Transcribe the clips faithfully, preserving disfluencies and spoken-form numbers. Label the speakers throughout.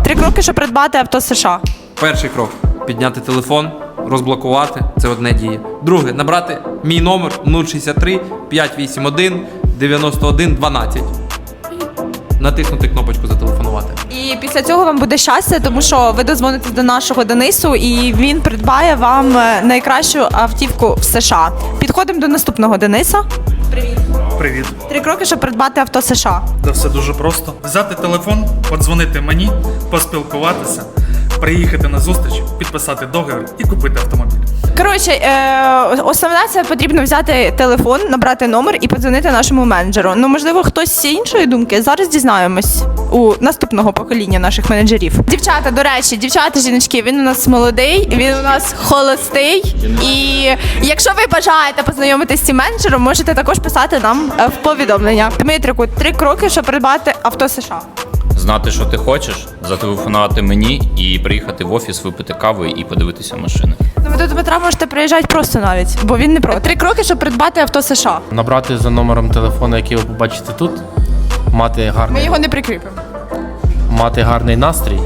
Speaker 1: Три кроки, щоб придбати авто США.
Speaker 2: Перший крок – підняти телефон, розблокувати, це одне діє. Друге – набрати мій номер нуль шістдесят три п'ятсот вісімдесят один дев'яносто один дванадцять. Натиснути кнопочку «Зателефонувати».
Speaker 1: І після цього вам буде щастя, тому що ви дозвонитесь до нашого Денису, і він придбає вам найкращу автівку в США. Підходимо до наступного Дениса. Привіт.
Speaker 3: Привіт.
Speaker 1: Три кроки, щоб придбати авто США.
Speaker 3: Та все дуже просто. Взяти телефон, подзвонити мені, поспілкуватися, приїхати на зустріч, підписати договір і купити автомобіль.
Speaker 1: Коротше, е, основне це потрібно взяти телефон, набрати номер і подзвонити нашому менеджеру. Ну, можливо, хтось з іншої думки. Зараз дізнаємось у наступного покоління наших менеджерів. Дівчата, до речі, дівчата, жіночки, він у нас молодий, він у нас холостий. І якщо ви бажаєте познайомитися з цим менеджером, можете також писати нам в повідомлення. Дмитрику, три кроки, щоб придбати авто США.
Speaker 4: Знати, що ти хочеш, зателефонувати мені і приїхати в офіс, випити каву і подивитися машини.
Speaker 1: Ну, ви до Дмитра можете приїжджати просто навіть, бо він не проти. Три кроки, щоб придбати авто США.
Speaker 5: Набрати за номером телефону, який ви побачите тут, мати
Speaker 1: Ми
Speaker 5: гарний,
Speaker 1: його не прикріпимо.
Speaker 5: мати гарний настрій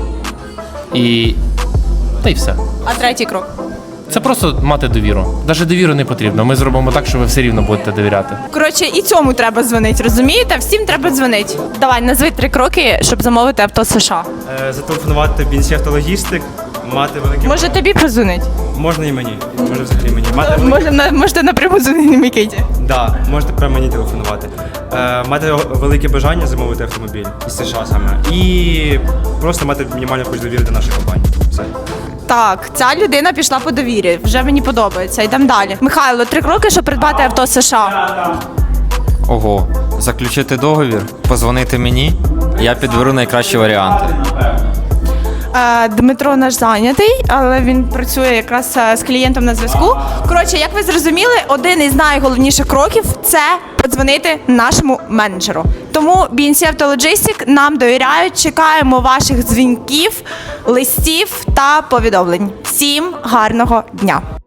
Speaker 5: і та й все.
Speaker 1: А третій крок?
Speaker 5: Це просто мати довіру. Навіть довіру не потрібно. Ми зробимо так, що ви все рівно будете довіряти.
Speaker 1: Коротше, і цьому треба дзвонити, розумієте? Всім треба дзвонити. Давай, назви три кроки, щоб замовити авто США.
Speaker 6: Е, Зателефонувати бі ен сі Автологістик, мати великі...
Speaker 1: Може тобі позвонити?
Speaker 6: Можна і мені, може взагалі мені. Мати великі...
Speaker 1: Може, на, можете напряму дзвонити Микиті.
Speaker 6: Да, можете прямо мені телефонувати. Е, мати велике бажання замовити автомобіль із США саме. І просто мати мінімальну хоч довіру до нашої компанії. Все.
Speaker 1: Так, ця людина пішла по довірі. Вже мені подобається. Йдемо далі. Михайло, три кроки, щоб придбати авто США.
Speaker 7: Ого, заключити договір, позвонити мені, я підберу найкращі варіанти.
Speaker 1: Е, Дмитро наш зайнятий, але він працює якраз е, з клієнтом на зв'язку. Коротше, як ви зрозуміли, один із найголовніших кроків – це подзвонити нашому менеджеру. Тому бі ен сі Автологістик нам довіряють, чекаємо ваших дзвінків, листів та повідомлень. Всім гарного дня!